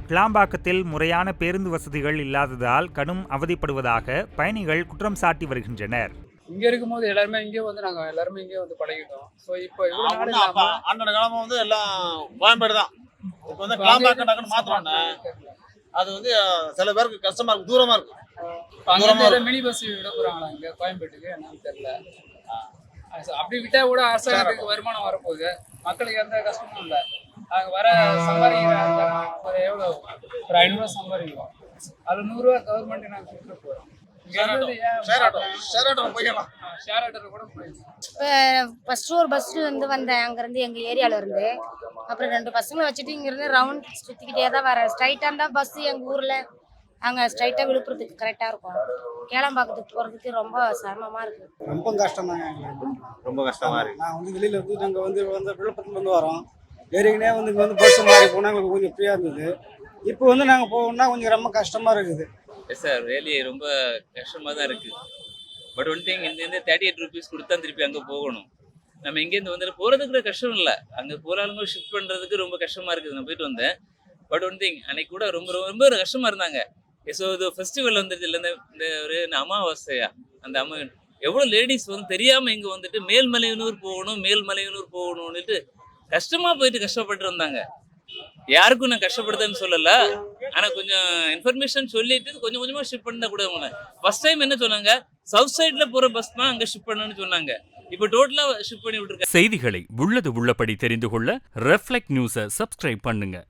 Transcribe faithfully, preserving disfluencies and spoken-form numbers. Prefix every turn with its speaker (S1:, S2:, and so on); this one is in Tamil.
S1: கிளாம்பாக்கத்தில் முறையான பேருந்து வசதிகள் இல்லாததால் கடும் அவதிப்படுவதாக பயணிகள் குற்றம் சாட்டி வருகின்றனர்.
S2: இங்க இருக்கும்போது எல்லாருமே இங்கே வந்து நாங்க எல்லாருமே இங்கே வந்து பழகிட்டோம். ஸோ இப்போ இவ்வளோ நாள்
S3: ஆமா, அப்ப அண்ணன் காலமா வந்து எல்லாம் கோயம்பேடு தான். இப்போ வந்து கிளாம்பாக்கம் டக்குன்னு மாத்துறோம்னா அது வந்து சில பேருக்கு கஷ்டமா இருக்கு, தூரமா இருக்கு.
S2: அங்கே மினி பஸ் விட போறாங்களா இங்க கோயம்பேட்டுக்கு என்னன்னு தெரியல. அப்படி விட்டா கூட அரசாங்கத்துக்கு வருமானம் வரப்போகுது, மக்களுக்கு எந்த கஷ்டமும் இல்லை. அங்கே வர சம்பாதிக்கிற ஒரு எவ்வளோ ஒரு ஐநூறுரூவா சம்பாதிக்கிறோம், அது நூறுரூவா கவர்மெண்ட் நாங்கள் கொடுத்துட்டு போகிறோம்.
S4: ஃபர்ஸ்ட் ஒரு பஸ்ல இருந்து வந்தேன், அங்கிருந்து எங்க ஏரியால இருந்து. அப்புறம் ரெண்டு பசங்களை வச்சுட்டு இங்க இருந்து ரவுண்ட் சுத்திக்கிட்டே தான் வரேன். ஸ்ட்ரைட்டா இருந்தா பஸ் எங்க ஊர்ல அங்க ஸ்ட்ரைட்டா விழுப்புரத்துக்கு கரெக்டா இருக்கும். கேளம்பாக்கத்துக்கு போறதுக்கு ரொம்ப சிரமமா இருக்கு.
S5: ரொம்ப கஷ்டமாங்க,
S3: ரொம்ப கஷ்டமா இருக்கு.
S5: நான் வந்து வெளியில இருந்து நாங்க வந்து வந்து விழுப்புரத்துல வந்து வரோம். ஏறிக்கினே வந்து இங்க வந்து பஸ் மாறி போனா எங்களுக்கு கொஞ்சம் ஃப்ரீயா இருந்தது. இப்போ வந்து நாங்க போகணும்னா கொஞ்சம் ரொம்ப கஷ்டமா இருக்குது.
S6: எஸ் சார், ரியலி ரொம்ப கஷ்டமாக தான் இருக்குது. பட் ஒன் திங், இங்கேருந்து தேர்ட்டி எயிட் ருபீஸ் கொடுத்தா திருப்பி அங்கே போகணும். நம்ம இங்கேருந்து வந்துட்டு போகிறதுக்கு கூட கஷ்டம் இல்லை, அங்கே போகிறாலுங்க ஷிஃப்ட் பண்ணுறதுக்கு ரொம்ப கஷ்டமாக இருக்குது. நான் போயிட்டு வந்தேன். பட் ஒன் திங், அன்னைக்கு கூட ரொம்ப ரொம்ப கஷ்டமாக இருந்தாங்க. ஸோ இது ஃபெஸ்டிவல் வந்துட்டு இல்லை, இந்த இந்த ஒரு அமாவாசையா அந்த அம்மா எவ்வளோ லேடிஸ் வந்து தெரியாமல் இங்கே வந்துட்டு மேல்மலையனூர் போகணும் மேல்மலையனூர் போகணும்னுட்டு கஷ்டமாக போயிட்டு கஷ்டப்பட்டு இருந்தாங்க. யாருக்கும் நான் கஷ்டப்படுதுன்னு சொல்லலை, ஆனால் கொஞ்சம் இன்ஃபர்மேஷன் சொல்லிட்டு கொஞ்சம் கொஞ்சமாக ஷிஃப்ட் பண்ணால் கூட அவங்க ஃபர்ஸ்ட் டைம் என்ன சொன்னாங்க, சவுத் சைடில் போகிற பஸ் தான் அங்கே ஷிஃப்ட் பண்ணணும்னு சொன்னாங்க. இப்போ டோட்டலாக ஷிஃப்ட் பண்ணி விட்டுருக்காங்க.
S1: செய்திகளை உள்ளது உள்ளபடி தெரிந்து கொள்ள ரெஃப்ளெக்ட் நியூஸை சப்ஸ்கிரைப் பண்ணுங்க.